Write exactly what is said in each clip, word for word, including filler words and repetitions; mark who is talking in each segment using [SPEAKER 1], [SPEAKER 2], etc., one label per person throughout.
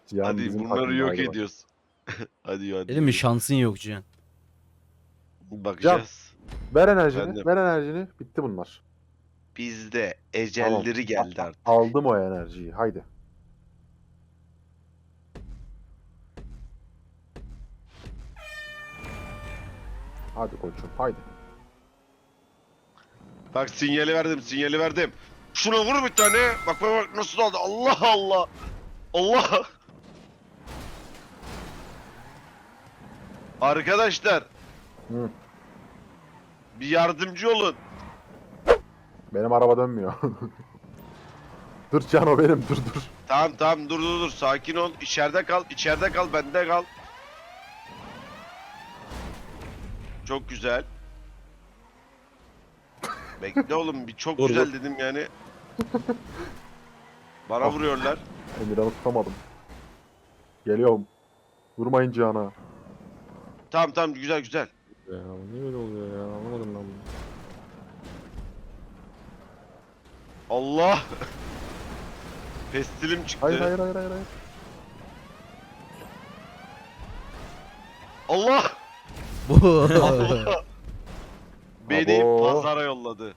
[SPEAKER 1] Cihan
[SPEAKER 2] Hadi
[SPEAKER 1] bizim
[SPEAKER 2] bunları
[SPEAKER 1] takımda,
[SPEAKER 2] yok
[SPEAKER 1] hadi bak.
[SPEAKER 2] ediyoruz. hadi hadi.
[SPEAKER 3] Dedim mi şansın yok Cihan.
[SPEAKER 2] Bakacağız.
[SPEAKER 1] Ver enerjini.
[SPEAKER 2] Efendim?
[SPEAKER 1] Ver enerjini. Bitti bunlar.
[SPEAKER 2] Bizde
[SPEAKER 1] Tamam.
[SPEAKER 2] ecelleri geldi artık.
[SPEAKER 1] Aldım o enerjiyi. Haydi. Hadi koçum. Haydi.
[SPEAKER 2] Bak sinyali verdim, sinyali verdim. Şuna vur bir tane. Bak bak bak nasıl aldı. Allah Allah. Allah. Arkadaşlar
[SPEAKER 1] Hı.
[SPEAKER 2] bir yardımcı olun.
[SPEAKER 1] Benim araba dönmüyor. Dur Can, o benim. Dur dur.
[SPEAKER 2] Tamam tamam dur dur dur sakin ol. İçeride kal, içeride kal, bende kal. Çok güzel. Bekle oğlum bir çok
[SPEAKER 1] Dur,
[SPEAKER 2] güzel
[SPEAKER 1] dur.
[SPEAKER 2] dedim yani. Bana vuruyorlar.
[SPEAKER 1] Emirhan'ı tutamadım. Geliyorum. Vurmayın Cihan'a.
[SPEAKER 2] Tamam tamam güzel güzel.
[SPEAKER 4] Ya niye öyle oluyor ya? Anlamadım ben bunu.
[SPEAKER 2] Allah. Pestilim çıktı.
[SPEAKER 1] Hayır hayır hayır hayır. hayır.
[SPEAKER 2] Allah.
[SPEAKER 3] Bu.
[SPEAKER 2] Beni
[SPEAKER 1] Abo.
[SPEAKER 2] pazara yolladı.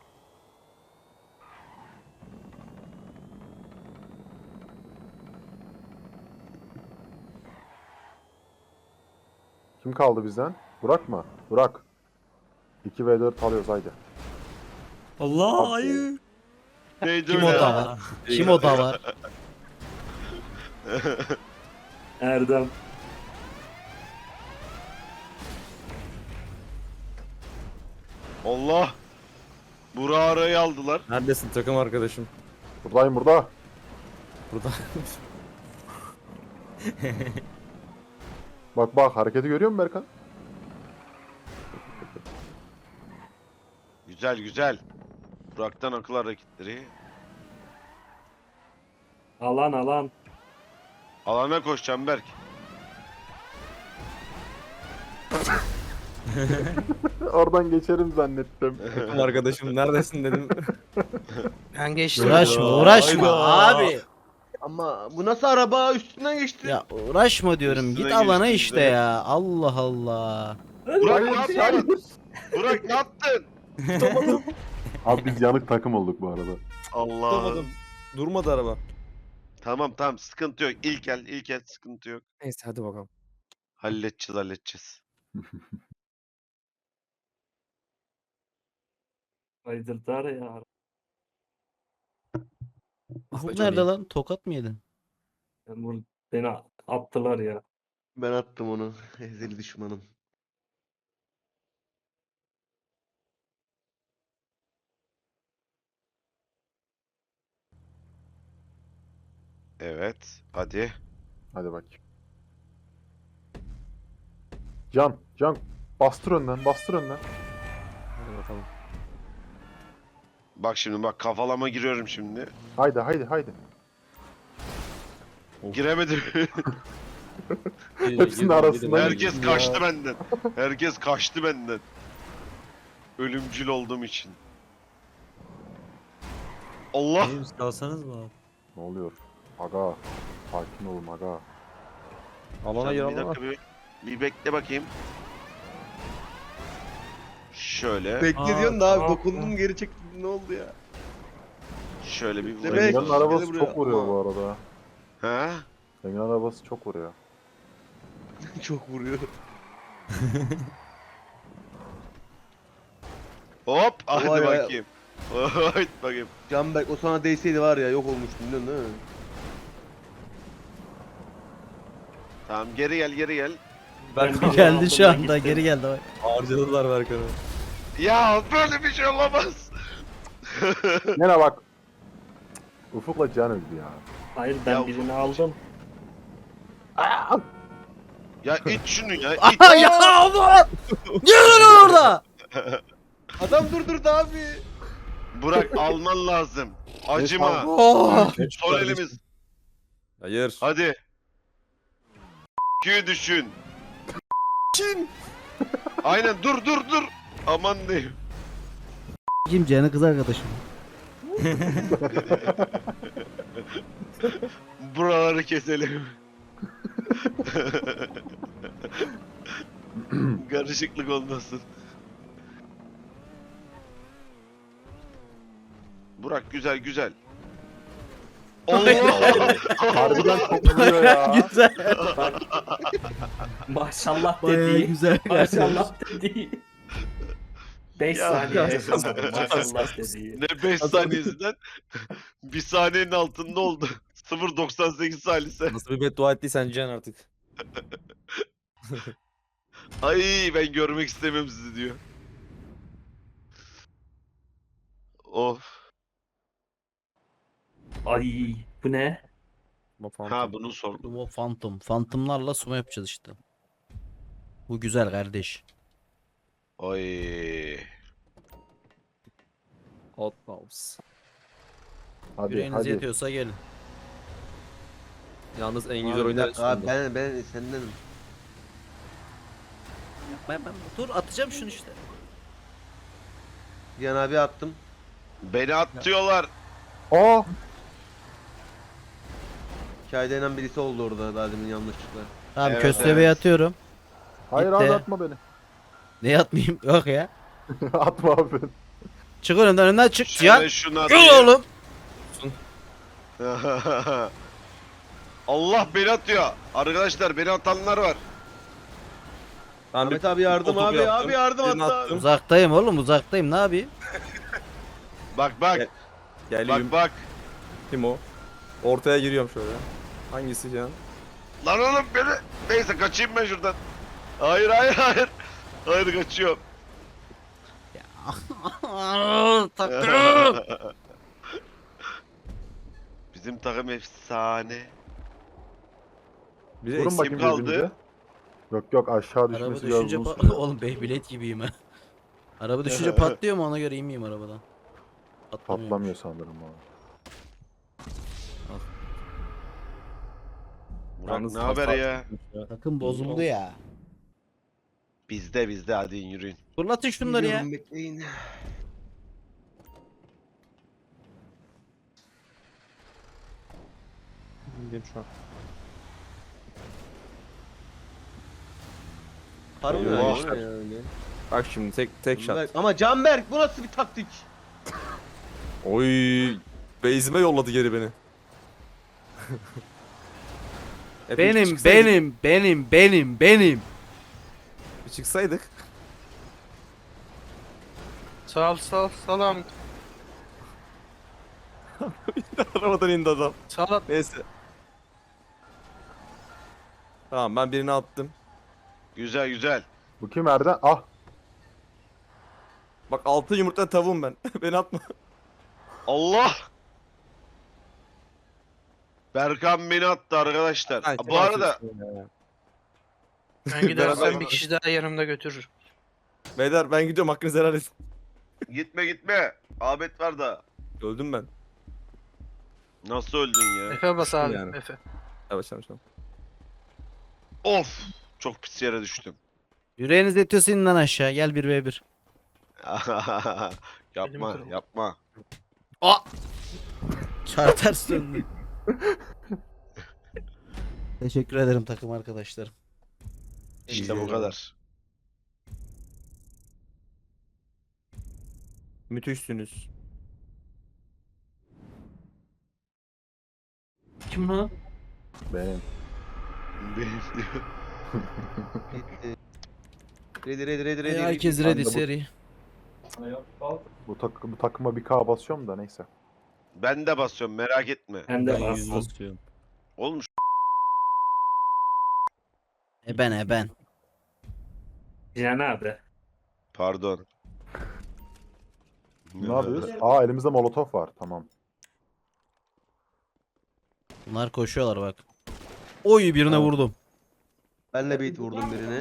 [SPEAKER 1] Kim kaldı bizden? Burak mı? Burak. iki ve dört alıyoruz haydi.
[SPEAKER 5] Allah hayır.
[SPEAKER 2] Neydi
[SPEAKER 3] Kim
[SPEAKER 2] öyle
[SPEAKER 3] o
[SPEAKER 2] ya?
[SPEAKER 3] da var? Kim o da var?
[SPEAKER 5] Erdem.
[SPEAKER 2] Allah. Burak'ı arayı aldılar.
[SPEAKER 4] Neredesin takım arkadaşım?
[SPEAKER 1] Buradayım burada.
[SPEAKER 4] Burada.
[SPEAKER 1] Bak bak, hareketi görüyor musun Berkan?
[SPEAKER 2] Güzel güzel. Burak'tan akıl hareketleri.
[SPEAKER 5] Alan alan.
[SPEAKER 2] Alana koş Canberk.
[SPEAKER 1] Oradan geçerim zannettim.
[SPEAKER 4] Takım arkadaşım neredesin dedim.
[SPEAKER 6] Ben geçtim.
[SPEAKER 3] Uğraşma uğraşma abi.
[SPEAKER 7] Ama bu nasıl araba üstünden geçti?
[SPEAKER 3] Ya uğraşma diyorum.
[SPEAKER 2] Üstüne
[SPEAKER 3] Git alana
[SPEAKER 2] geçti
[SPEAKER 3] işte
[SPEAKER 2] bize.
[SPEAKER 3] ya. Allah Allah.
[SPEAKER 2] Burak ne
[SPEAKER 1] Hayır,
[SPEAKER 2] yaptın? Burak ne yaptın?
[SPEAKER 1] Abi biz yanık takım olduk bu arada.
[SPEAKER 2] Allah.
[SPEAKER 4] Durmadım. Durmadı araba.
[SPEAKER 2] Tamam tamam sıkıntı yok. İlk el ilk el sıkıntı yok.
[SPEAKER 4] Neyse hadi bakalım.
[SPEAKER 2] Halledeceğiz halledeceğiz.
[SPEAKER 5] Haydırdar ya.
[SPEAKER 3] Ufuk
[SPEAKER 4] Johnny.
[SPEAKER 3] nerede lan? Tokat mı yedin?
[SPEAKER 5] Ben bunu, beni attılar ya.
[SPEAKER 7] Ben attım onu. Ezeli düşmanım.
[SPEAKER 2] Evet. Hadi.
[SPEAKER 1] Hadi bak. Can, Can. Bastır önden, bastır önden.
[SPEAKER 4] Hadi bakalım.
[SPEAKER 2] Bak şimdi bak kafalama giriyorum şimdi.
[SPEAKER 1] Haydi, haydi, haydi.
[SPEAKER 2] Giremedim.
[SPEAKER 1] Hepsinin arasında.
[SPEAKER 2] Herkes
[SPEAKER 1] Ya.
[SPEAKER 2] kaçtı benden. Herkes kaçtı benden. Ölümcül olduğum için. Allah.
[SPEAKER 5] Benim salsanız mı abi?
[SPEAKER 1] Ne oluyor? Aga. Sakin olun aga.
[SPEAKER 4] Alana
[SPEAKER 2] Sen
[SPEAKER 4] gir
[SPEAKER 2] bir
[SPEAKER 4] alana.
[SPEAKER 2] dakika bir, bir bekle bakayım. Şöyle.
[SPEAKER 7] Bekle
[SPEAKER 5] Aa,
[SPEAKER 7] diyorsun da abi
[SPEAKER 5] tamam.
[SPEAKER 7] dokundum geri çektim ne oldu ya?
[SPEAKER 2] Şöyle bir
[SPEAKER 7] Bekle,
[SPEAKER 2] vurayım.
[SPEAKER 7] bekle.
[SPEAKER 1] Emirhan'ın arabası
[SPEAKER 7] Gel buraya.
[SPEAKER 1] çok vuruyor bu arada.
[SPEAKER 2] Ha?
[SPEAKER 1] Emirhan'ın arabası çok vuruyor.
[SPEAKER 7] Çok vuruyor.
[SPEAKER 2] Hop hadi
[SPEAKER 7] Vay be.
[SPEAKER 2] bakayım. Hadi bakayım.
[SPEAKER 7] Canberk o sana değseydi var ya yok olmuştun biliyorsun değil mi?
[SPEAKER 2] Tamam geri gel geri gel.
[SPEAKER 5] Ben birini
[SPEAKER 3] Geldi
[SPEAKER 5] aldım,
[SPEAKER 3] şu
[SPEAKER 5] ben
[SPEAKER 3] anda.
[SPEAKER 5] gittim.
[SPEAKER 3] Geri geldi. Bak.
[SPEAKER 4] Harcadılar Berkan'ı.
[SPEAKER 2] Ya böyle bir şey olamaz.
[SPEAKER 1] Yine bak. Ufuk'la Can öldü ya.
[SPEAKER 5] Hayır ben
[SPEAKER 2] Ya,
[SPEAKER 5] birini
[SPEAKER 2] ufuk-
[SPEAKER 5] aldım.
[SPEAKER 2] Ya it şunu ya. It.
[SPEAKER 3] Aha ya Allah! Ne oluyor orada?
[SPEAKER 7] Adam durdurdu abi.
[SPEAKER 2] Burak alman lazım. Acıma.
[SPEAKER 3] Oh!
[SPEAKER 2] Son elimiz.
[SPEAKER 4] Hayır.
[SPEAKER 2] Hadi. Q'yu düşün. Aynen dur dur dur. Aman diyeyim.
[SPEAKER 3] Kim Cihan'ın kız arkadaşım.
[SPEAKER 2] Buraları keselim. Karışıklık olmasın. Burak güzel güzel. Allah!
[SPEAKER 1] Harbiden çok vuruyor ya.
[SPEAKER 3] Güzel.
[SPEAKER 5] Maşallah
[SPEAKER 3] Bayağı
[SPEAKER 5] dediği.
[SPEAKER 3] güzel.
[SPEAKER 5] Maşallah dediği. beş
[SPEAKER 2] Ya.
[SPEAKER 5] saniye yaşamadım. Maşallah dediği.
[SPEAKER 2] Ne beş saniyesinden bir saniyenin altında oldu. sıfır virgül doksan sekiz salise.
[SPEAKER 4] Nasıl bir beddua ettiysen Can artık.
[SPEAKER 2] Ay ben görmek istemiyorum sizi diyor. Of.
[SPEAKER 5] Ay bu ne?
[SPEAKER 4] Ama falan.
[SPEAKER 2] Ha bunu sordum.
[SPEAKER 3] Sumo Phantom. Phantom'larla sumo yapacağız işte. Bu güzel kardeş.
[SPEAKER 2] Ay.
[SPEAKER 4] Outlaws.
[SPEAKER 1] Hadi
[SPEAKER 3] Yüreğiniz
[SPEAKER 1] hadi.
[SPEAKER 3] yetiyorsa gelin.
[SPEAKER 4] Yalnız en
[SPEAKER 7] Abi,
[SPEAKER 4] güzel
[SPEAKER 7] bir
[SPEAKER 4] oyunlar
[SPEAKER 7] dakika abi,
[SPEAKER 4] üstünde.
[SPEAKER 7] ben ben sendenim.
[SPEAKER 3] Ben, ben dur atacağım şunu işte.
[SPEAKER 7] Cihan abi attım.
[SPEAKER 2] Beni atıyorlar.
[SPEAKER 1] Aa!
[SPEAKER 7] Hikayede inen birisi oldu orada daha demin yanlışlıkla.
[SPEAKER 3] Tamam
[SPEAKER 2] Evet,
[SPEAKER 3] köstebeği
[SPEAKER 2] evet.
[SPEAKER 3] atıyorum.
[SPEAKER 1] Hayır
[SPEAKER 3] Gitti.
[SPEAKER 1] abi atma beni.
[SPEAKER 3] Ne atmayayım? Yok ya.
[SPEAKER 1] Atma abi.
[SPEAKER 3] Çık önümden önümden çık.
[SPEAKER 2] Şöyle
[SPEAKER 3] Cihan.
[SPEAKER 2] şunu
[SPEAKER 3] Gel
[SPEAKER 2] atayım.
[SPEAKER 3] oğlum.
[SPEAKER 2] Allah beni atıyor. Arkadaşlar beni atanlar var.
[SPEAKER 4] Ben bir
[SPEAKER 7] Ahmet abi yardım
[SPEAKER 4] topu
[SPEAKER 7] abi
[SPEAKER 4] yaptım,
[SPEAKER 7] abi yardım
[SPEAKER 4] birini
[SPEAKER 7] hatta.
[SPEAKER 4] attım.
[SPEAKER 3] Uzaktayım oğlum uzaktayım ne yapayım?
[SPEAKER 2] Bak bak.
[SPEAKER 4] Gel-
[SPEAKER 2] Bak
[SPEAKER 4] Geliyorum.
[SPEAKER 2] bak.
[SPEAKER 4] Kim o? Ortaya giriyorum şöyle. Hangisi Can?
[SPEAKER 2] Lan oğlum beni. Neyse kaçayım ben şuradan. Hayır hayır hayır. Hayır kaçıyorum.
[SPEAKER 3] Takım.
[SPEAKER 2] Bizim takım efsane.
[SPEAKER 4] Biri
[SPEAKER 1] Vurun
[SPEAKER 4] eksik.
[SPEAKER 1] bakayım
[SPEAKER 2] kaldı?
[SPEAKER 1] birbirinize. Yok yok aşağı
[SPEAKER 3] Araba
[SPEAKER 1] düşmesi
[SPEAKER 3] düşünce
[SPEAKER 1] biraz uzun
[SPEAKER 3] pa-
[SPEAKER 1] sürüyor.
[SPEAKER 3] oğlum Beyblade gibiyim ha. Araba düşünce patlıyor mu ona göre inmeyeyim arabadan. Patlamıyor.
[SPEAKER 1] Patlamıyor sanırım abi.
[SPEAKER 2] Burak
[SPEAKER 4] Yalnız
[SPEAKER 2] ne haber
[SPEAKER 4] hasar-
[SPEAKER 2] ya?
[SPEAKER 3] Takım bozuldu ya.
[SPEAKER 2] Bizde bizde hadi yürüyün.
[SPEAKER 3] Fırlatın şunları ya.
[SPEAKER 7] Geliyorum, bekleyin.
[SPEAKER 4] Gel şu an.
[SPEAKER 7] Harbi mi?
[SPEAKER 2] Eyvah.
[SPEAKER 7] O ne ya öyle?
[SPEAKER 4] Bak şimdi tek tek shot.
[SPEAKER 7] Canberk- Ama Canberk bu nasıl bir taktik?
[SPEAKER 4] Oy. Base'ime yolladı geri beni. Hep bir
[SPEAKER 3] Benim
[SPEAKER 4] çıksaydık-
[SPEAKER 3] benim benim benim benim.
[SPEAKER 4] Bir çıksaydık.
[SPEAKER 6] Sağ ol sağ ol salam.
[SPEAKER 4] Arabadan indi adam.
[SPEAKER 6] Sağ ol.
[SPEAKER 4] Neyse. Tamam ben birini attım.
[SPEAKER 2] Güzel güzel.
[SPEAKER 1] Bu kim Erdem? Ah!
[SPEAKER 4] Bak altı yumurta tavuğum ben. Beni atma.
[SPEAKER 2] Allah! Berkan beni attı arkadaşlar.
[SPEAKER 4] Ay,
[SPEAKER 2] Bu arada
[SPEAKER 6] Ben gidersem
[SPEAKER 4] Beraber-
[SPEAKER 6] bir kişi daha yanımda götürür.
[SPEAKER 4] Beyler ben gidiyorum hakkınızı helal edin.
[SPEAKER 2] gitme gitme. Ahmet var da.
[SPEAKER 4] Öldüm ben.
[SPEAKER 2] Nasıl öldün ya?
[SPEAKER 6] Efe bas abi
[SPEAKER 4] Yani.
[SPEAKER 6] Efe.
[SPEAKER 4] Yavaş yavaş. yavaş.
[SPEAKER 2] Of! Çok pis yere düştüm.
[SPEAKER 3] Yüreğiniz yetiyorsa inin lan aşağı. Gel bir ve bir.
[SPEAKER 2] yapma
[SPEAKER 6] kırıldı.
[SPEAKER 2] yapma.
[SPEAKER 3] Çar ters döndü. Teşekkür ederim takım arkadaşlarım.
[SPEAKER 2] İşte bu kadar.
[SPEAKER 4] Müthişsiniz.
[SPEAKER 6] Kim lan?
[SPEAKER 1] Benim.
[SPEAKER 7] Gitti. Ready ready ready
[SPEAKER 3] Ee,
[SPEAKER 7] ready.
[SPEAKER 3] herkes
[SPEAKER 1] Ben
[SPEAKER 3] ready
[SPEAKER 1] de bu-
[SPEAKER 3] seri.
[SPEAKER 1] Bu, tak bu takıma bir K basıyorum da neyse.
[SPEAKER 2] Ben de basıyorum merak etme.
[SPEAKER 5] Ben de bastım.
[SPEAKER 2] Oğlum şu-
[SPEAKER 3] E ben e ben.
[SPEAKER 5] Cihan abi.
[SPEAKER 2] pardon.
[SPEAKER 1] Ne yapıyoruz? Aa elimizde molotof var. Tamam.
[SPEAKER 3] Bunlar koşuyorlar bak. Oy birine
[SPEAKER 1] Tamam.
[SPEAKER 3] vurdum.
[SPEAKER 7] Ben de beat vurdum birine.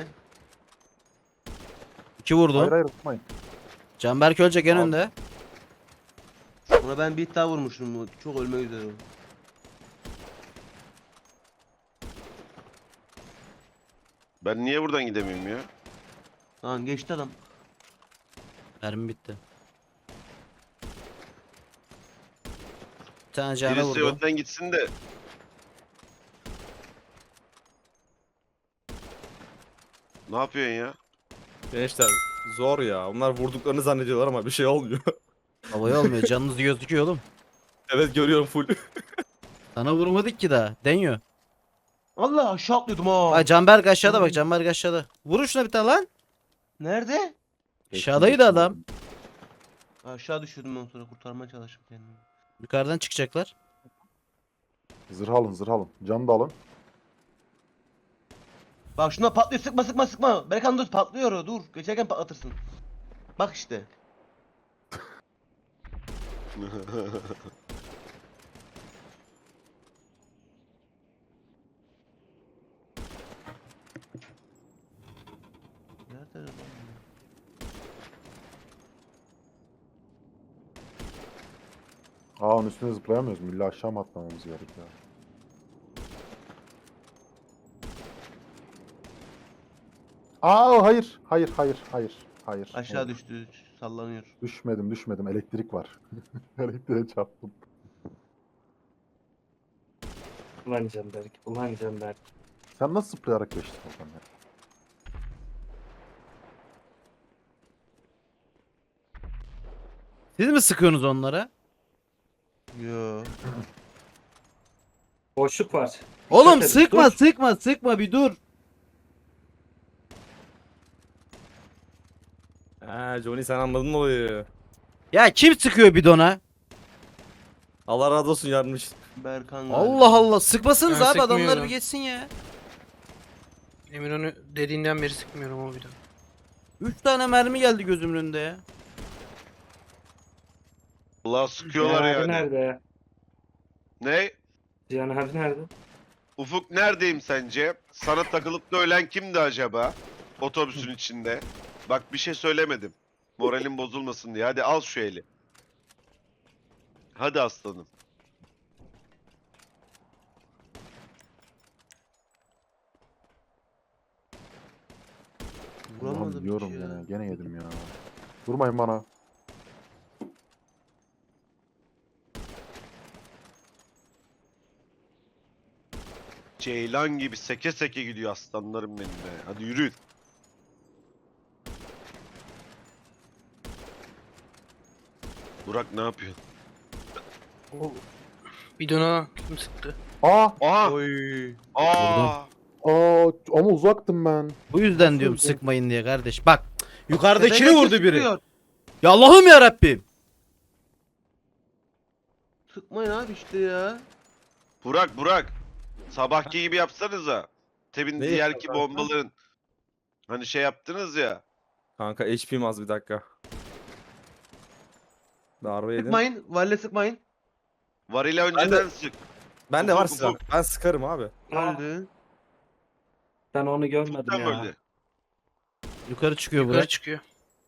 [SPEAKER 3] İki vurdum.
[SPEAKER 1] Hayır hayır tutmayın.
[SPEAKER 3] Canberk ölecek en
[SPEAKER 2] Abi.
[SPEAKER 3] önde.
[SPEAKER 7] Ona ben beat daha vurmuşum. bu Çok ölmek üzere. o.
[SPEAKER 2] Ben niye buradan gidemiyorum ya?
[SPEAKER 7] Tamam geçti adam.
[SPEAKER 3] Mermi bitti. tane cana
[SPEAKER 2] Birisi
[SPEAKER 3] vurdu.
[SPEAKER 2] önden gitsin de. Ne yapıyorsun ya?
[SPEAKER 4] Gençler zor ya. Onlar vurduklarını zannediyorlar ama bir şey olmuyor.
[SPEAKER 3] Havaya olmuyor. Canınız gözüküyor oğlum.
[SPEAKER 4] Evet görüyorum full.
[SPEAKER 3] Sana vurmadık ki daha. Deniyor.
[SPEAKER 7] Allah aşağı atlıyordum ha.
[SPEAKER 3] Bak Canberk aşağıda bak. Canberk aşağıda. Vurun şuna bir tane lan.
[SPEAKER 7] Nerede?
[SPEAKER 3] Aşağıdaydı adam.
[SPEAKER 7] Aşağı düşüyordum ben sonra kurtarmaya çalıştım kendimi.
[SPEAKER 3] Yukarıdan çıkacaklar.
[SPEAKER 1] Zırh alın zırh alın. Can da alın.
[SPEAKER 7] Bak şuna patlıyor sıkma sıkma sıkma. Berkan dur patlıyor o dur. Geçerken patlatırsın. Bak işte. Nerede lan bu?
[SPEAKER 1] Aa onun üstüne zıplayamıyoruz mu? İlla aşağı mı atlamamız gerekiyor? Aa hayır. Hayır hayır hayır. Hayır.
[SPEAKER 7] Aşağı
[SPEAKER 1] hayır.
[SPEAKER 7] düştü sallanıyor.
[SPEAKER 1] Düşmedim düşmedim. Elektrik var. Elektriğe çarptım.
[SPEAKER 5] Ulan Canberk. Ulan Canberk.
[SPEAKER 1] Sen nasıl zıplayarak geçtin oradan ya?
[SPEAKER 3] Siz mi sıkıyorsunuz onlara?
[SPEAKER 7] Yo.
[SPEAKER 5] Boşluk var.
[SPEAKER 3] Oğlum
[SPEAKER 5] edin,
[SPEAKER 3] sıkma
[SPEAKER 5] dur.
[SPEAKER 3] sıkma sıkma bir dur.
[SPEAKER 4] Ha Johnny sen anladın olayı.
[SPEAKER 3] Ya kim sıkıyor bidona?
[SPEAKER 4] Allah razı olsun yarmış.
[SPEAKER 7] Berkan galiba.
[SPEAKER 3] Allah Allah sıkmasanız
[SPEAKER 6] Ben
[SPEAKER 3] abi adamlar
[SPEAKER 6] sıkmıyorum.
[SPEAKER 3] bir geçsin ya.
[SPEAKER 6] Emir onu dediğinden beri sıkmıyorum o bir daha.
[SPEAKER 3] Üç tane mermi geldi gözümün önünde ya.
[SPEAKER 2] Allah sıkıyorlar
[SPEAKER 5] Cihan abi
[SPEAKER 2] yani.
[SPEAKER 5] nerede?
[SPEAKER 2] Ne?
[SPEAKER 5] Cihan abi nerede?
[SPEAKER 2] Ufuk neredeyim sence? Sana takılıp da ölen kimdi acaba? Otobüsün içinde. Bak bir şey söylemedim. Moralim bozulmasın diye. Hadi al şu eli. Hadi aslanım.
[SPEAKER 7] Vuramadım
[SPEAKER 1] Ulan
[SPEAKER 7] hiç
[SPEAKER 1] diyorum
[SPEAKER 7] ya.
[SPEAKER 1] gene. Gene yedim ya. Vurmayın bana.
[SPEAKER 2] Ceylan gibi seke seke gidiyor aslanlarım benim be. Hadi yürü. Burak ne yapıyor?
[SPEAKER 6] O bidona kim sıktı?
[SPEAKER 1] Aa!
[SPEAKER 2] Aha!
[SPEAKER 7] Oy.
[SPEAKER 2] Aa!
[SPEAKER 1] Aa! Ama uzaktım ben.
[SPEAKER 3] Bu yüzden diyorum
[SPEAKER 1] Nasıl?
[SPEAKER 3] sıkmayın diye kardeş. Bak yukarıdakini
[SPEAKER 7] Tepeden
[SPEAKER 3] vurdu biri.
[SPEAKER 7] sıkıyor.
[SPEAKER 3] Ya Allah'ım ya Rabbim.
[SPEAKER 7] Sıkmayın abi işte ya.
[SPEAKER 2] Burak Burak. Sabahki gibi yapsanıza. Tebin
[SPEAKER 4] Ne
[SPEAKER 2] diğerki
[SPEAKER 4] yapacağız kanka?
[SPEAKER 2] bombaların. Hani şey yaptınız ya.
[SPEAKER 4] Kanka H P'm az bir dakika. Darbe yedim.
[SPEAKER 7] Sıkmayın. Valle sıkmayın.
[SPEAKER 2] Varıyla önceden sık.
[SPEAKER 4] Ben de var
[SPEAKER 2] Ufuk,
[SPEAKER 4] silah.
[SPEAKER 2] ufuk.
[SPEAKER 4] Ben sıkarım abi.
[SPEAKER 7] Öldü.
[SPEAKER 5] Ben onu görmedim
[SPEAKER 2] Ufuk'tan
[SPEAKER 5] ya.
[SPEAKER 2] öldü.
[SPEAKER 3] Yukarı çıkıyor
[SPEAKER 6] Yukarı
[SPEAKER 3] Burak.
[SPEAKER 6] çıkıyor.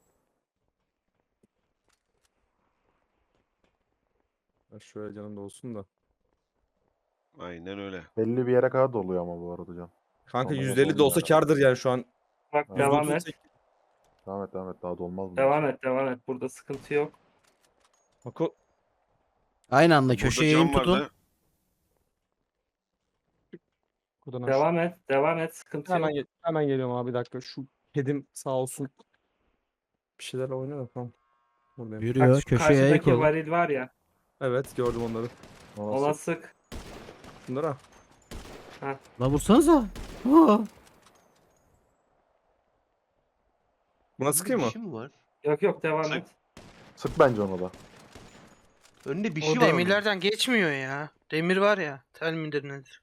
[SPEAKER 4] Ya şöyle canım da olsun da.
[SPEAKER 2] Aynen öyle.
[SPEAKER 1] Belli bir yere kadar doluyor ama bu arada can.
[SPEAKER 4] Kanka
[SPEAKER 1] Tamam,
[SPEAKER 4] yüzde elli de olsa
[SPEAKER 1] oldu
[SPEAKER 4] kardır yani şu an.
[SPEAKER 5] Bak
[SPEAKER 1] Ha.
[SPEAKER 5] devam
[SPEAKER 4] yüzde
[SPEAKER 5] et.
[SPEAKER 4] otuz sekiz.
[SPEAKER 1] Devam et devam et daha dolmaz mı?
[SPEAKER 5] Devam et devam et. Burada sıkıntı yok.
[SPEAKER 4] Bak o
[SPEAKER 3] Aynı anda
[SPEAKER 2] Burada
[SPEAKER 3] köşeye
[SPEAKER 2] cam
[SPEAKER 3] eğim tutun.
[SPEAKER 2] vardı.
[SPEAKER 4] buradan aşağı.
[SPEAKER 5] Devam et. Devam et. Sıkıntı
[SPEAKER 4] Hemen,
[SPEAKER 5] yok.
[SPEAKER 4] gel- hemen geliyorum abi bir dakika. Şu kedim sağ olsun. Bir şeyler oynuyor da tamam. Buradayım.
[SPEAKER 3] Yürüyor
[SPEAKER 5] Bak şu
[SPEAKER 3] köşeye eğik
[SPEAKER 5] karşıdaki
[SPEAKER 3] oldu.
[SPEAKER 5] varil var ya.
[SPEAKER 4] Evet gördüm onları.
[SPEAKER 1] Ona
[SPEAKER 5] Ona
[SPEAKER 1] sık.
[SPEAKER 5] sık.
[SPEAKER 4] Şunlara.
[SPEAKER 3] La vursanıza. Aa.
[SPEAKER 4] Buna sıkayım mı?
[SPEAKER 7] Bir şey mi var?
[SPEAKER 5] Yok yok devam
[SPEAKER 2] Sık.
[SPEAKER 5] et.
[SPEAKER 1] Sık bence ona da.
[SPEAKER 7] Önünde bir şey
[SPEAKER 6] O
[SPEAKER 7] var. onun.
[SPEAKER 6] demirlerden geçmiyor ya. Demir var ya. Tel midir nedir?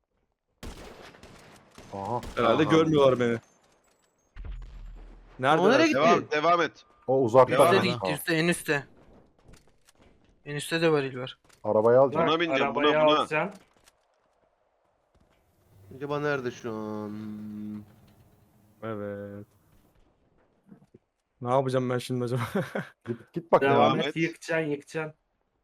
[SPEAKER 1] Aha.
[SPEAKER 4] Herhalde
[SPEAKER 2] Aha.
[SPEAKER 4] görmüyorlar beni.
[SPEAKER 7] O nereye
[SPEAKER 4] Nerede?
[SPEAKER 7] gitti?
[SPEAKER 2] Devam, devam et.
[SPEAKER 1] O uzakta.
[SPEAKER 2] Devam
[SPEAKER 6] Üstte
[SPEAKER 2] et.
[SPEAKER 6] değil,
[SPEAKER 1] kanka.
[SPEAKER 6] üstte, en üstte. En üstte de varil var.
[SPEAKER 1] Arabayı alacağım.
[SPEAKER 2] Buna bineceğim, buna,
[SPEAKER 5] arabayı
[SPEAKER 2] buna.
[SPEAKER 5] alacaksın.
[SPEAKER 7] Acaba nerede şu an?
[SPEAKER 4] Evet. Ne yapacağım ben şimdi acaba?
[SPEAKER 1] Git, git bak
[SPEAKER 5] Devam,
[SPEAKER 2] Devam
[SPEAKER 1] ya.
[SPEAKER 5] et.
[SPEAKER 2] et.
[SPEAKER 5] Yıkacaksın yıkacaksın.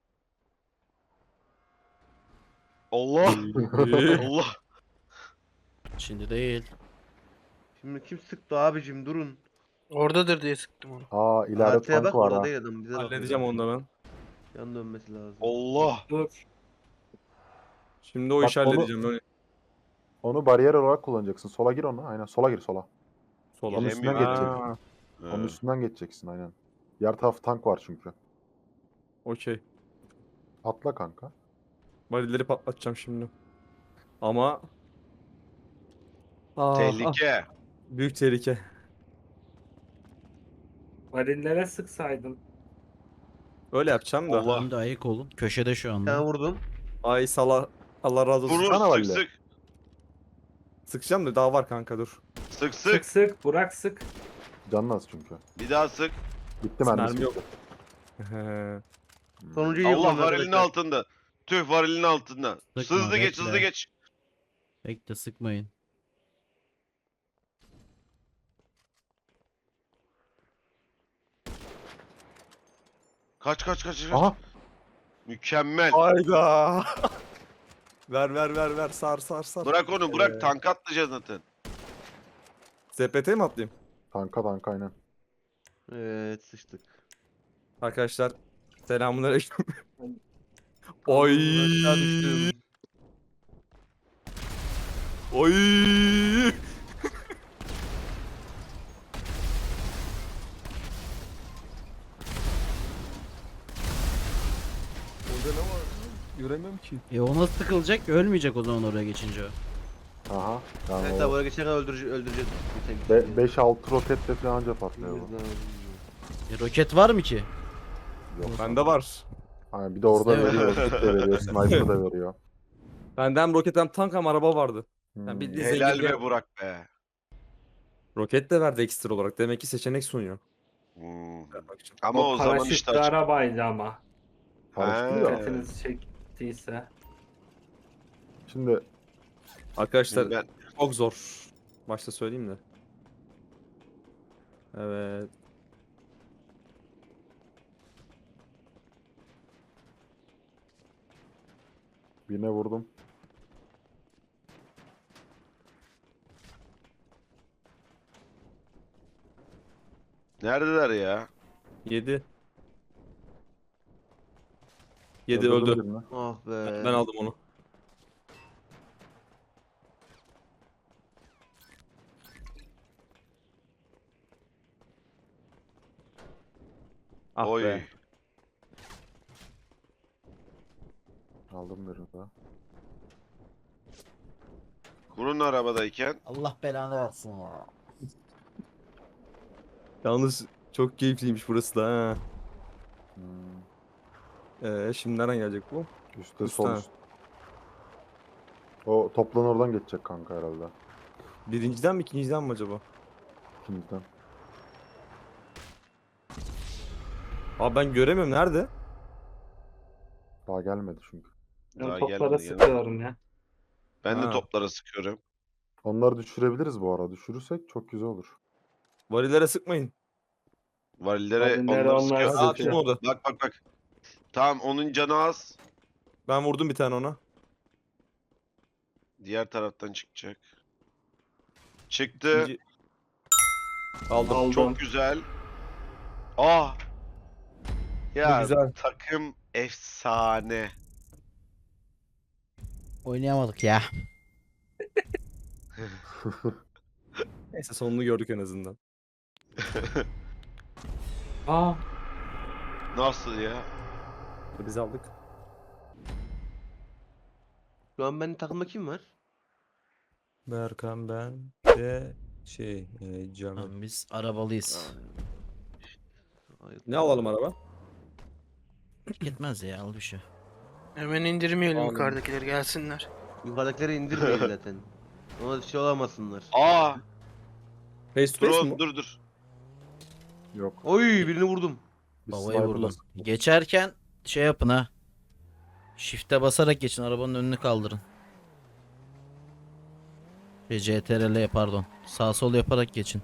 [SPEAKER 2] Allah! Allah!
[SPEAKER 3] Şimdi değil.
[SPEAKER 7] Şimdi kim sıktı abicim durun.
[SPEAKER 6] Oradadır diye sıktım onu.
[SPEAKER 1] Aa ileride
[SPEAKER 7] Haritaya
[SPEAKER 1] tank
[SPEAKER 7] bak
[SPEAKER 1] var
[SPEAKER 7] orada
[SPEAKER 1] ha.
[SPEAKER 7] değil adam bize bakıyor.
[SPEAKER 4] Halledeceğim onu da ben.
[SPEAKER 7] Yan dönmesi lazım.
[SPEAKER 2] Allah.
[SPEAKER 5] Dur.
[SPEAKER 4] Şimdi o
[SPEAKER 1] Bak
[SPEAKER 4] işi
[SPEAKER 1] onu-
[SPEAKER 4] halledeceğim öyle.
[SPEAKER 1] Onu bariyer olarak kullanacaksın. Sola gir ona. Aynen sola gir sola.
[SPEAKER 4] Sola.
[SPEAKER 1] Onun üstünden
[SPEAKER 2] Giremiyor.
[SPEAKER 1] geçecek.
[SPEAKER 4] Ha,
[SPEAKER 1] Onun
[SPEAKER 2] Ha.
[SPEAKER 1] üstünden geçeceksin aynen. Diğer taraf tank var çünkü.
[SPEAKER 4] okey.
[SPEAKER 1] Atla kanka.
[SPEAKER 4] Barileri patlatacağım şimdi. Ama... Ah, ah,
[SPEAKER 2] Tehlike.
[SPEAKER 4] büyük tehlike.
[SPEAKER 5] Varillere sıksaydın.
[SPEAKER 4] Öyle yapacağım da.
[SPEAKER 2] Allah.
[SPEAKER 3] Şimdi ayık olun. Köşede şu
[SPEAKER 7] Bir
[SPEAKER 3] anda.
[SPEAKER 7] tane vurdum.
[SPEAKER 4] Ay sala. Allah razı olsun.
[SPEAKER 2] Vurur
[SPEAKER 1] Sana
[SPEAKER 2] sık
[SPEAKER 1] valle.
[SPEAKER 2] sık.
[SPEAKER 4] Sıkacağım da daha var kanka dur.
[SPEAKER 2] Sık
[SPEAKER 5] Sık
[SPEAKER 2] sık.
[SPEAKER 5] sık. Burak sık.
[SPEAKER 1] Canın az çünkü.
[SPEAKER 2] Bir daha sık.
[SPEAKER 1] Bitti mermisi.
[SPEAKER 4] Mermi yok.
[SPEAKER 1] bitti.
[SPEAKER 4] He.
[SPEAKER 7] Sonuncuyu
[SPEAKER 2] Allah
[SPEAKER 7] yıkıyorum
[SPEAKER 2] varilin
[SPEAKER 7] arkadaşlar.
[SPEAKER 2] altında. Tüh varilin altında.
[SPEAKER 3] Sıkma,
[SPEAKER 2] Hızlı geç
[SPEAKER 3] bekle.
[SPEAKER 2] hızlı geç.
[SPEAKER 3] Bekle sıkmayın.
[SPEAKER 2] Kaç kaç kaç kaç.
[SPEAKER 1] Aha.
[SPEAKER 2] Mükemmel.
[SPEAKER 4] Hayda. ver ver ver ver sar sar sar.
[SPEAKER 2] Bırak onu bırak
[SPEAKER 4] Ee,
[SPEAKER 2] tank atlayacağız zaten.
[SPEAKER 4] Z P T mi atlayayım?
[SPEAKER 1] Tanka tanka aynen.
[SPEAKER 7] Evet sıçtık.
[SPEAKER 4] Arkadaşlar selamünaleyküm. Oy.
[SPEAKER 7] Aşağı düştüm.
[SPEAKER 4] Oy. Orada ne var? Göremiyorum ki.
[SPEAKER 3] E o nasıl sıkılacak? Ölmeyecek o zaman oraya geçince o.
[SPEAKER 1] Aha. Yani
[SPEAKER 7] Evet
[SPEAKER 1] o
[SPEAKER 7] abi oraya geçerken öldürece öldüreceğiz. Geçen-
[SPEAKER 1] beş altı roketle falan anca patlıyor bu.
[SPEAKER 7] Bilmemiz lazım.
[SPEAKER 3] E, roket var mı ki?
[SPEAKER 1] Yok.
[SPEAKER 4] Bende var.
[SPEAKER 1] Aynen, bir de orada
[SPEAKER 3] Bizde
[SPEAKER 1] veriyor. Kit de veriyor. Sniper da veriyor.
[SPEAKER 4] Bende hem roket hem tank hem araba vardı.
[SPEAKER 1] Hmm.
[SPEAKER 4] Yani bir-
[SPEAKER 2] Helal
[SPEAKER 4] zenginliğe-
[SPEAKER 2] be Burak be.
[SPEAKER 4] Roket de verdi ekstra olarak. Demek ki seçenek sunuyor.
[SPEAKER 2] Hmm.
[SPEAKER 4] Bakacağım.
[SPEAKER 2] Ama o, zaman
[SPEAKER 5] paraşütlü
[SPEAKER 2] işte açık.
[SPEAKER 5] arabaydı ama.
[SPEAKER 1] Paraşütlü
[SPEAKER 2] Ha.
[SPEAKER 1] ya.
[SPEAKER 5] Dikkatinizi çektiyse.
[SPEAKER 1] Şimdi
[SPEAKER 4] Arkadaşlar
[SPEAKER 2] Ben
[SPEAKER 4] çok zor. Başta söyleyeyim de. Evet.
[SPEAKER 1] birine vurdum.
[SPEAKER 2] neredeler ya?
[SPEAKER 4] Yedi. Yedi
[SPEAKER 1] Öldürdüm
[SPEAKER 4] öldü.
[SPEAKER 1] birini.
[SPEAKER 7] Ah be.
[SPEAKER 4] Ben aldım onu. Ah
[SPEAKER 2] Oy.
[SPEAKER 4] be.
[SPEAKER 1] Aldım birini daha.
[SPEAKER 2] Kurun arabadayken.
[SPEAKER 3] Allah belanı versin ya.
[SPEAKER 4] Yalnız çok keyifliymiş burası da ha.
[SPEAKER 1] Hmm.
[SPEAKER 4] Ee, şimdi nereden gelecek bu?
[SPEAKER 1] Üstte
[SPEAKER 4] Üstte.
[SPEAKER 1] sol üst. O toplan oradan geçecek kanka herhalde.
[SPEAKER 4] Birinciden mi ikinciden mi acaba?
[SPEAKER 1] İkinciden.
[SPEAKER 4] Abi ben göremiyorum nerede?
[SPEAKER 1] Daha gelmedi çünkü.
[SPEAKER 2] Daha
[SPEAKER 5] Ben toplara
[SPEAKER 2] gelmedi, gelmedi.
[SPEAKER 5] sıkıyorum ya.
[SPEAKER 2] Ben de
[SPEAKER 4] Ha.
[SPEAKER 2] toplara sıkıyorum.
[SPEAKER 1] Onları düşürebiliriz bu ara. Düşürürsek çok güzel olur.
[SPEAKER 4] Varillere sıkmayın.
[SPEAKER 2] Varillere
[SPEAKER 5] Varillere
[SPEAKER 2] onları
[SPEAKER 5] onlar
[SPEAKER 2] sıkıyor.
[SPEAKER 5] sıkıyor.
[SPEAKER 2] Aa,
[SPEAKER 4] Atayım orada.
[SPEAKER 2] Bak bak bak. Tamam onun canı az.
[SPEAKER 4] Ben vurdum bir tane ona.
[SPEAKER 2] Diğer taraftan çıkacak. Çıktı.
[SPEAKER 4] İkinci... Aldım.
[SPEAKER 5] Aldım.
[SPEAKER 2] Çok güzel. Aa. Ya
[SPEAKER 4] güzel.
[SPEAKER 2] takım efsane.
[SPEAKER 3] Oynayamadık ya.
[SPEAKER 4] Neyse sonunu gördük en azından.
[SPEAKER 5] Aa,
[SPEAKER 2] Nasıl ya?
[SPEAKER 4] Biz aldık.
[SPEAKER 7] Şu an benim takımda kim var?
[SPEAKER 4] Berkan ben de şey e, Canım.
[SPEAKER 3] Tamam, biz arabalıyız.
[SPEAKER 7] Ay,
[SPEAKER 4] Ne alalım araba?
[SPEAKER 3] Fark etmez ya al bir şey.
[SPEAKER 6] Hemen indirmeyelim
[SPEAKER 4] Anladım.
[SPEAKER 6] yukarıdakileri gelsinler.
[SPEAKER 7] Yukarıdakileri indirmeyin zaten. Ona şey olamasınlar.
[SPEAKER 2] Aa.
[SPEAKER 4] Face to
[SPEAKER 2] Dur
[SPEAKER 4] face
[SPEAKER 2] oğlum,
[SPEAKER 4] mi?
[SPEAKER 2] dur dur.
[SPEAKER 1] Yok.
[SPEAKER 7] Oy birini vurdum.
[SPEAKER 1] Biz
[SPEAKER 3] Havayı
[SPEAKER 1] sniper'la
[SPEAKER 3] vurdum.
[SPEAKER 1] sıktık.
[SPEAKER 3] Geçerken şey yapın ha. Shift'e basarak geçin, arabanın önünü kaldırın. Ve C T R L pardon. Sağ sol yaparak geçin.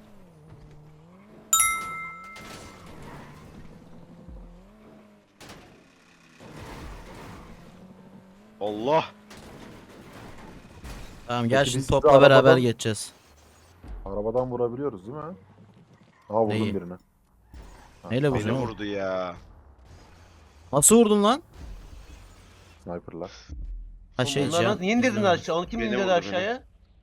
[SPEAKER 2] Allah.
[SPEAKER 3] Tamam gel
[SPEAKER 1] Peki
[SPEAKER 3] şimdi
[SPEAKER 1] biz
[SPEAKER 3] topla
[SPEAKER 1] sizi
[SPEAKER 3] beraber
[SPEAKER 1] arabadan-
[SPEAKER 3] geçeceğiz.
[SPEAKER 1] Arabadan vurabiliyoruz değil mi? Aa vurdum
[SPEAKER 3] Neyi?
[SPEAKER 1] birini. Ha,
[SPEAKER 3] Neyle
[SPEAKER 1] tamam.
[SPEAKER 2] Beni
[SPEAKER 3] vurdun?
[SPEAKER 2] vurdu ya.
[SPEAKER 3] Nasıl vurdun lan?
[SPEAKER 1] Sniper'lar.
[SPEAKER 3] Ha şey
[SPEAKER 7] Onlar
[SPEAKER 3] can.
[SPEAKER 7] nasıl? Niye indirdin
[SPEAKER 3] izlemedim.
[SPEAKER 7] aşağı? Onu kim
[SPEAKER 2] Beni
[SPEAKER 7] indirdi
[SPEAKER 2] vurdu,
[SPEAKER 7] aşağıya?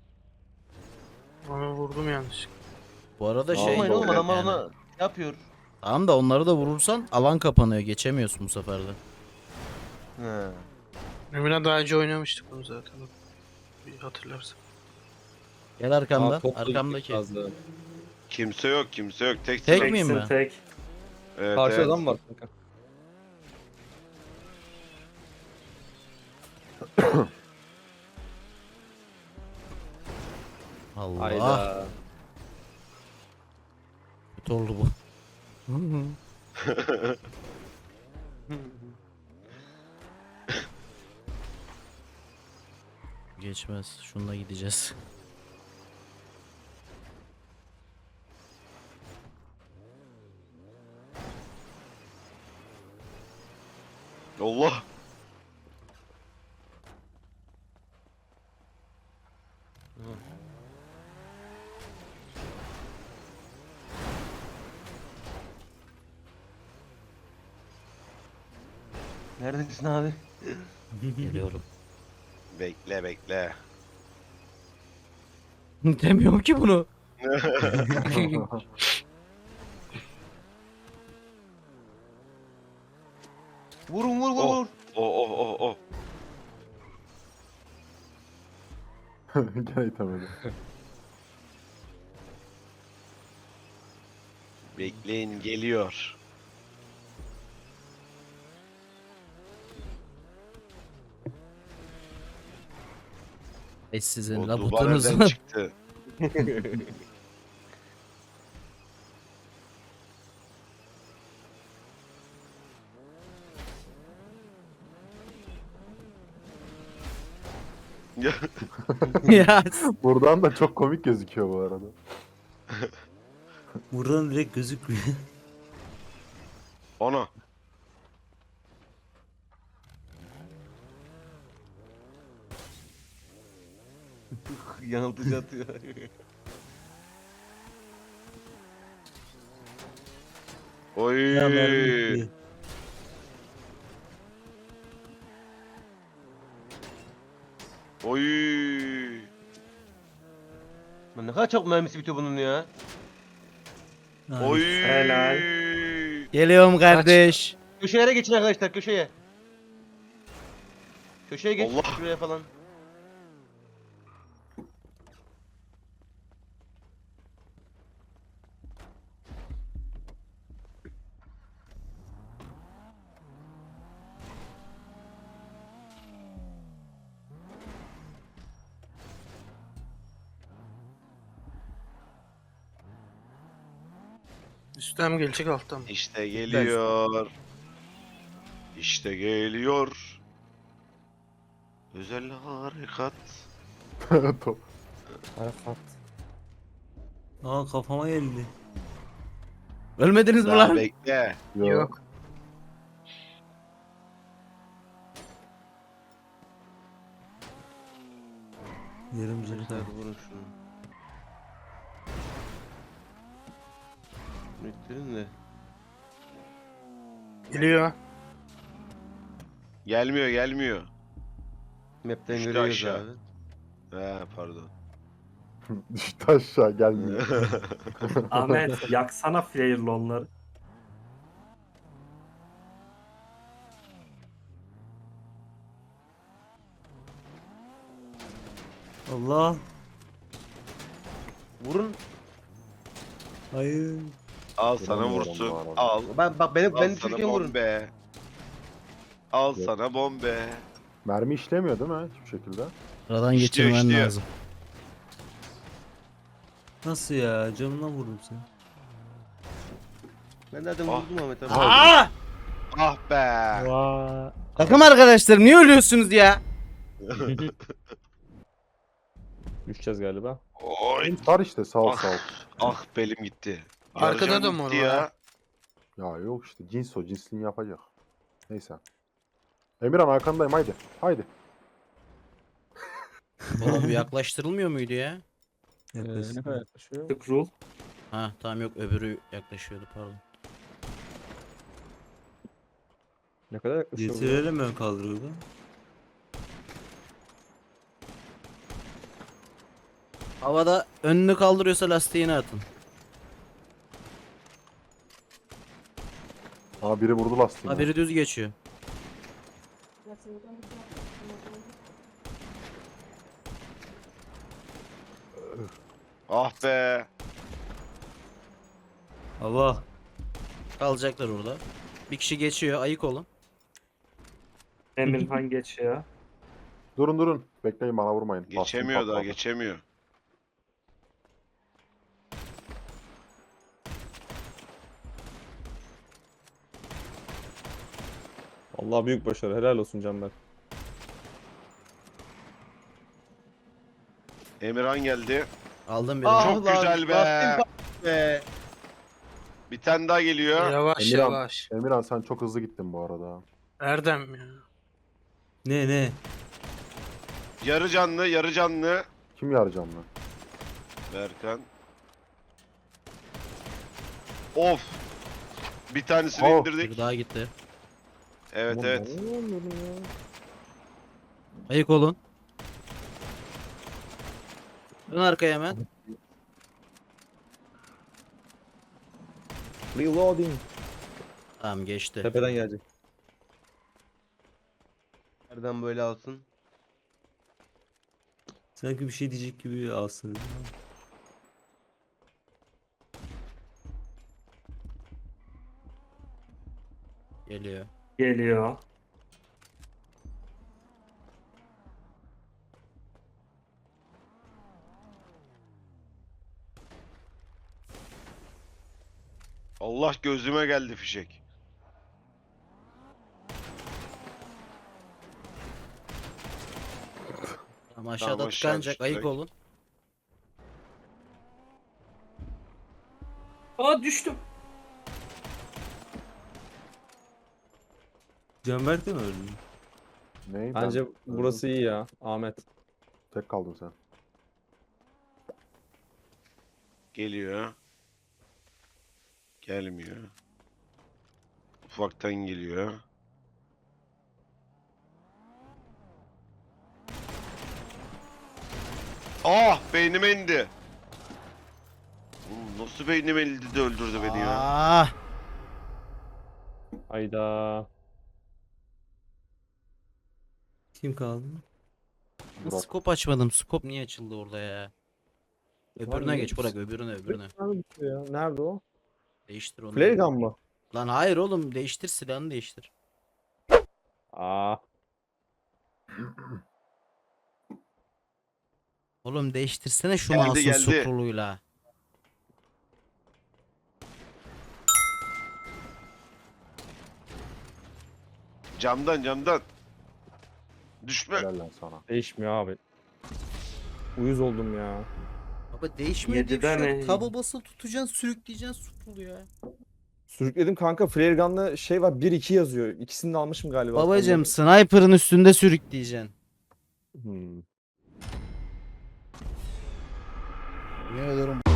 [SPEAKER 6] Onu vurdum yanlış.
[SPEAKER 3] Bu arada
[SPEAKER 1] Aa,
[SPEAKER 3] şey.
[SPEAKER 7] Olmayın oğlum
[SPEAKER 1] doğru.
[SPEAKER 7] adamlar
[SPEAKER 3] yani-
[SPEAKER 7] ona yapıyor.
[SPEAKER 3] Tamam da onları da vurursan alan kapanıyor. Geçemiyorsun bu sefer de.
[SPEAKER 7] He.
[SPEAKER 6] Emirhan daha önce oynamıştık bunu zaten. Bir hatırlarsın.
[SPEAKER 3] Gel arkamda.
[SPEAKER 4] Aa, top da gittik
[SPEAKER 3] Arkamdaki.
[SPEAKER 4] fazla.
[SPEAKER 2] Kimse yok kimse yok. Tek
[SPEAKER 3] Tek
[SPEAKER 2] sıra.
[SPEAKER 3] miyim
[SPEAKER 5] Teksin
[SPEAKER 3] ben?
[SPEAKER 5] tek.
[SPEAKER 2] Evet,
[SPEAKER 4] Karşı
[SPEAKER 2] evet.
[SPEAKER 4] adam var kanka.
[SPEAKER 3] Allah.
[SPEAKER 4] Hayda.
[SPEAKER 3] Kötü oldu bu. Geçmez. Şununla gideceğiz.
[SPEAKER 2] Allah.
[SPEAKER 7] Neredesin abi?
[SPEAKER 3] Geliyorum.
[SPEAKER 2] Bekle bekle.
[SPEAKER 3] Demiyorum ki bunu.
[SPEAKER 7] Vurun vur vur
[SPEAKER 2] Oh.
[SPEAKER 7] vur.
[SPEAKER 2] O o o o.
[SPEAKER 1] Gene itemedi.
[SPEAKER 2] Bekleyin geliyor.
[SPEAKER 3] E sizin
[SPEAKER 2] O duvar
[SPEAKER 3] labutunuz
[SPEAKER 2] nereden
[SPEAKER 3] var.
[SPEAKER 2] çıktı? Ya,
[SPEAKER 3] Ya
[SPEAKER 1] Buradan da çok komik gözüküyor bu arada.
[SPEAKER 3] buradan direkt gözükmüyor.
[SPEAKER 2] Ana.
[SPEAKER 7] Yanıltıcı atıyor.
[SPEAKER 2] Oy. Oy.
[SPEAKER 7] Lan ne kadar çok mermisi bitiyor bunun ya.
[SPEAKER 2] Oy.
[SPEAKER 5] Helal.
[SPEAKER 3] Geliyorum kardeş.
[SPEAKER 7] Köşelere geçin arkadaşlar köşeye. Köşeye geç
[SPEAKER 2] Allah.
[SPEAKER 7] şuraya falan.
[SPEAKER 6] Üstten mi gelecek alttan mı?
[SPEAKER 2] İşte geliyor. İşte geliyor. Özel harekat.
[SPEAKER 1] Top.
[SPEAKER 4] Arafat.
[SPEAKER 3] Aa kafama geldi. Ölmediniz mi
[SPEAKER 2] Daha
[SPEAKER 3] lan?
[SPEAKER 2] bekle.
[SPEAKER 1] Yo.
[SPEAKER 6] Yok.
[SPEAKER 3] Yarım
[SPEAKER 7] Arkadaşlar vurun şunu. Müttirin de.
[SPEAKER 6] Geliyor.
[SPEAKER 2] Gelmiyor gelmiyor.
[SPEAKER 7] Map'ten
[SPEAKER 2] Düştü
[SPEAKER 7] görüyoruz
[SPEAKER 2] aşağı.
[SPEAKER 7] abi.
[SPEAKER 2] He pardon.
[SPEAKER 1] Düştü aşağı gelmiyor.
[SPEAKER 5] Ahmet yaksana flare'lı onları.
[SPEAKER 3] Allah.
[SPEAKER 7] Vurun.
[SPEAKER 3] Hayır.
[SPEAKER 2] Al sana
[SPEAKER 1] Vuramıyorum
[SPEAKER 2] vursun.
[SPEAKER 1] bu arada.
[SPEAKER 2] Al.
[SPEAKER 7] Ben bak benim
[SPEAKER 2] Al
[SPEAKER 7] ben
[SPEAKER 2] sana
[SPEAKER 7] düşürken vurun.
[SPEAKER 2] bombe. Al
[SPEAKER 1] Yok.
[SPEAKER 2] sana bombe.
[SPEAKER 1] Mermi işlemiyor değil mi hiçbir şekilde?
[SPEAKER 3] Aradan
[SPEAKER 2] İşliyor,
[SPEAKER 3] geçirmen
[SPEAKER 2] işliyor.
[SPEAKER 3] lazım.
[SPEAKER 8] Nasıl ya? Canına vurdum seni.
[SPEAKER 7] Ben zaten
[SPEAKER 2] Ah.
[SPEAKER 7] vurdum Ahmet abi.
[SPEAKER 3] Aa!
[SPEAKER 2] Ah be.
[SPEAKER 4] Vaa.
[SPEAKER 3] Takım arkadaşlarım niye ölüyorsunuz ya?
[SPEAKER 4] Düşeceğiz galiba.
[SPEAKER 2] Oy.
[SPEAKER 1] Var işte sağ ol
[SPEAKER 2] Ah.
[SPEAKER 1] sağ ol.
[SPEAKER 2] Ah belim gitti.
[SPEAKER 6] Arkada
[SPEAKER 2] Yarıcan
[SPEAKER 6] da mı
[SPEAKER 2] gitti
[SPEAKER 6] var?
[SPEAKER 2] ya.
[SPEAKER 1] Ya yok işte cins o cinsliğini yapacak. Neyse. Emirhan arkandayım haydi. Haydi.
[SPEAKER 3] Oğlum bir yaklaştırılmıyor muydu ya?
[SPEAKER 4] Ee, ne
[SPEAKER 8] Yaklaşık.
[SPEAKER 4] kadar yaklaşıyor?
[SPEAKER 5] Scroll.
[SPEAKER 3] Ha tamam yok öbürü yaklaşıyordu pardon.
[SPEAKER 4] Ne kadar yaklaşıyor bu ya?
[SPEAKER 8] Getirelim ön kaldırıyordu.
[SPEAKER 3] Havada önünü kaldırıyorsa lastiğini atın.
[SPEAKER 1] Aa biri vurdu lastiğini.
[SPEAKER 3] Ha biri düz geçiyor.
[SPEAKER 2] Ah be.
[SPEAKER 8] Hava.
[SPEAKER 3] Kalacaklar orada. Bir kişi geçiyor, ayık olun.
[SPEAKER 5] Emirhan geçiyor.
[SPEAKER 1] Durun durun. Bekleyin bana vurmayın. Lastiğim
[SPEAKER 2] Geçemiyor daha
[SPEAKER 1] patladı.
[SPEAKER 2] geçemiyor.
[SPEAKER 4] Allah büyük başarı. Helal olsun Canberk.
[SPEAKER 2] Emirhan geldi.
[SPEAKER 3] Aldım birini.
[SPEAKER 7] Ah
[SPEAKER 2] Çok
[SPEAKER 7] lan,
[SPEAKER 2] güzel be.
[SPEAKER 7] lastiğim patladı be.
[SPEAKER 2] Bir tane daha geliyor.
[SPEAKER 6] Yavaş
[SPEAKER 1] Emirhan.
[SPEAKER 6] yavaş.
[SPEAKER 1] Emirhan sen çok hızlı gittin bu arada.
[SPEAKER 6] Erdem ya.
[SPEAKER 8] Ne ne?
[SPEAKER 2] Yarı canlı, yarı canlı.
[SPEAKER 1] Kim yarayacağım lan?
[SPEAKER 2] Berkan. Of. Bir tanesini
[SPEAKER 1] Oh.
[SPEAKER 2] indirdik.
[SPEAKER 3] Bir daha gitti.
[SPEAKER 2] Evet
[SPEAKER 4] Aman
[SPEAKER 2] evet.
[SPEAKER 4] ben inanmıyorum ya.
[SPEAKER 3] Ayık olun. Dön arkaya hemen.
[SPEAKER 4] Reloading.
[SPEAKER 3] Tamam geçti.
[SPEAKER 4] Tepeden gelecek.
[SPEAKER 7] Nereden böyle alsın?
[SPEAKER 8] Sanki bir şey diyecek gibi alsın.
[SPEAKER 3] Geliyor.
[SPEAKER 5] Geliyor.
[SPEAKER 2] Allah gözüme geldi fişek.
[SPEAKER 3] Tamam aşağıda
[SPEAKER 2] aşağı
[SPEAKER 3] tıkanacak,
[SPEAKER 2] düştü
[SPEAKER 3] ayık
[SPEAKER 2] direkt.
[SPEAKER 3] olun.
[SPEAKER 5] Aa düştüm.
[SPEAKER 8] Canberk de mi öldü?
[SPEAKER 1] Ney?
[SPEAKER 4] Bence
[SPEAKER 1] Ben-
[SPEAKER 4] burası iyi ya. Ahmet.
[SPEAKER 1] Tek kaldın sen.
[SPEAKER 2] Geliyor. Gelmiyor. Ufaktan geliyor. Ah beynime indi. Oğlum nasıl beynime indi de öldürdü beni ya.
[SPEAKER 3] Ah!
[SPEAKER 4] Hayda.
[SPEAKER 8] Kim kaldı?
[SPEAKER 1] Burak.
[SPEAKER 3] Skop açmadım. Skop niye açıldı orada ya? Öbürüne
[SPEAKER 4] Lan
[SPEAKER 3] geç
[SPEAKER 4] ne-
[SPEAKER 3] bırak öbürüne öbürüne.
[SPEAKER 4] Ya. Nerede o?
[SPEAKER 3] Değiştir onu.
[SPEAKER 4] Flare gun mı?
[SPEAKER 3] Lan hayır oğlum değiştir silahını değiştir.
[SPEAKER 4] Aa.
[SPEAKER 3] Oğlum değiştirsene şu
[SPEAKER 2] Geldi,
[SPEAKER 3] mouse'un
[SPEAKER 2] geldi.
[SPEAKER 3] scroll'uyla.
[SPEAKER 2] Camdan camdan. Düşme.
[SPEAKER 1] Helal lan sana.
[SPEAKER 4] Değişmiyor abi. Uyuz oldum ya.
[SPEAKER 3] Baba değişmiyor diye bir
[SPEAKER 5] Yedide
[SPEAKER 3] şey yok.
[SPEAKER 5] mi?
[SPEAKER 3] Taba basılı tutacaksın sürükleyeceksin scroll'u ya.
[SPEAKER 4] Sürükledim kanka. Flare gun'la şey var. bir iki yazıyor. İkisini de almışım galiba.
[SPEAKER 3] Babacım
[SPEAKER 4] Ondan-
[SPEAKER 3] sniper'ın üstünde sürükleyeceksin.
[SPEAKER 4] Hmm.
[SPEAKER 3] Yemin ediyorum